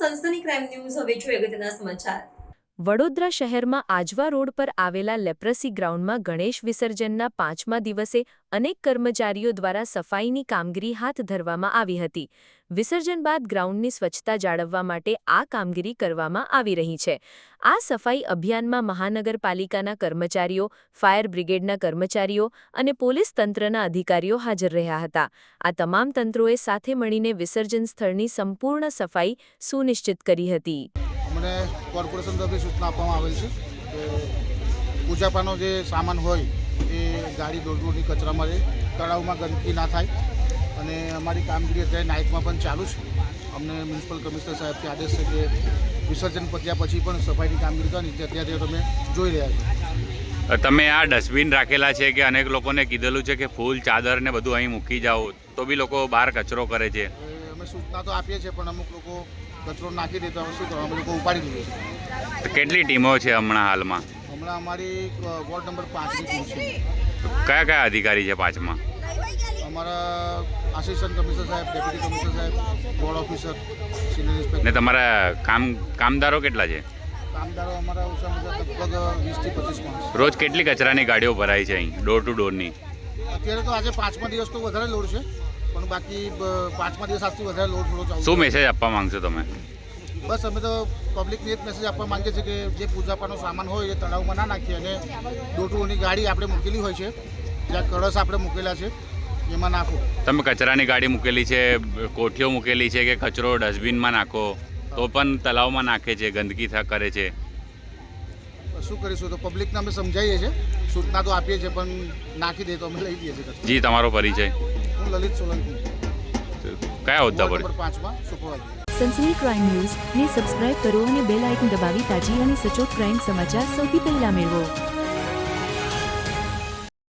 સનસની crime news હવે જોઈએ અગત્યના સમાચાર। વડોદરા શહેરમાં આજવા રોડ પર આવેલા લેપ્રસી ગ્રાઉન્ડમાં ગણેશ વિસર્જનના 5મા દિવસે અનેક કર્મચારીઓ દ્વારા સફાઈની કામગીરી હાથ ધરવામાં આવી હતી। વિસર્જન બાદ ગ્રાઉન્ડની સ્વચ્છતા જાળવવા માટે આ કામગીરી કરવામાં આવી રહી છે। આ સફાઈ અભિયાનમાં મહાનગરપાલિકાના કર્મચારીઓ, ફાયર બ્રિગેડના કર્મચારીઓ અને પોલીસ તંત્રના અધિકારીઓ હાજર રહ્યા હતા। આ તમામ તંત્રોએ સાથે મળીને વિસર્જન સ્થળની સંપૂર્ણ સફાઈ સુનિશ્ચિત કરી હતી। મને કોર્પોરેશન તરફથી સૂચના આપવામાં આવેલ છે કે પૂજાપાનો જે સામાન હોય એ ગાડી દોડની કચરામાં રહે, તળાવમાં ગંદકી ના થાય અને અમારી કામગીરી અત્યારે નાઇટમાં પણ ચાલુ છે। અમને મ્યુનિસિપલ કમિશનર સાહેબથી આદેશ છે કે વિસર્જન પત્યા પછી પણ સફાઈની કામગીરી કરવાની, અત્યારે તમે જોઈ રહ્યા છો। તમે આ ડસ્ટબિન રાખેલા છે કે અનેક લોકોને કીધેલું છે કે ફૂલ ચાદર ને બધું અહીં મૂકી જાઓ, તો બી લોકો બહાર કચરો કરે છે। અમે સૂચના તો આપીએ છીએ પણ અમુક લોકો કચરો નાખી દે તો અમે શું કરવા, અમે લોકો ઉપાડી લઈએ છીએ। કેટલી ટીમો છે હમણાં હાલમાં? હમણાં અમારી વોર્ડ નંબર 5ની ટીમ છે। કયા કયા અધિકારી છે 5માં? અમારા આસિસ્ટન્ટ કમિશનર સાહેબ, ડેપ્યુટી કમિશનર સાહેબ, બોર્ડ ઓફિસર, સિનિયર ઇન્સ્પેક્ટર। ને તમારા કામદારો કેટલા છે? કામદારો અમારા ઓછામાં ઓછા લગભગ 20 થી 25 માણસ। રોજ કેટલી કચરાની ગાડીઓ ભરાય છે અહીં ડોર ટુ ડોરની? અત્યારે તો આજે 5મા દિવસ તો વધારે લોડ છે, પણ બાકી 5મા દિવસ આજથી વધારે લોડ થોડો ચાલુ। શું મેસેજ આપવા માંગશો તમે? બસ અમે તો પબ્લિકને એક મેસેજ આપવા માંગીએ છીએ કે જે પૂજાપાનો સામાન હોય એ તળાવમાં ના નાખીએ અને ડોર ટુ ડોરની ગાડી આપણે મૂકેલી હોય છે, જ્યાં કળશ આપણે મૂકેલા છે એમાં નાખો। તમે કચરાની ગાડી મૂકેલી છે, કોઠીઓ મૂકેલી છે કે કચરો ડસ્ટબિનમાં નાખો તો પણ તળાવમાં નાખે છે, ગંદકી કરે છે। શું કરીશું, તો પબ્લિકને અમે સમજાવીએ છીએ, સૂચના તો આપીએ છીએ પણ નાખી દે તો અમે લઈ લઈએ છીએ। જી, તમારો પરિચય? હું લલિત સોલંકી, કયા હોદ્દા પર? નંબર 5માં સુપરવાઇઝર। સનસની ક્રાઇમ ન્યૂઝ ને સબસ્ક્રાઇબ કરો અને બેલ આઇકન દબાવી તાજી અને સચોટ ક્રાઇમ સમાચાર સૌથી પહેલા મેળવો।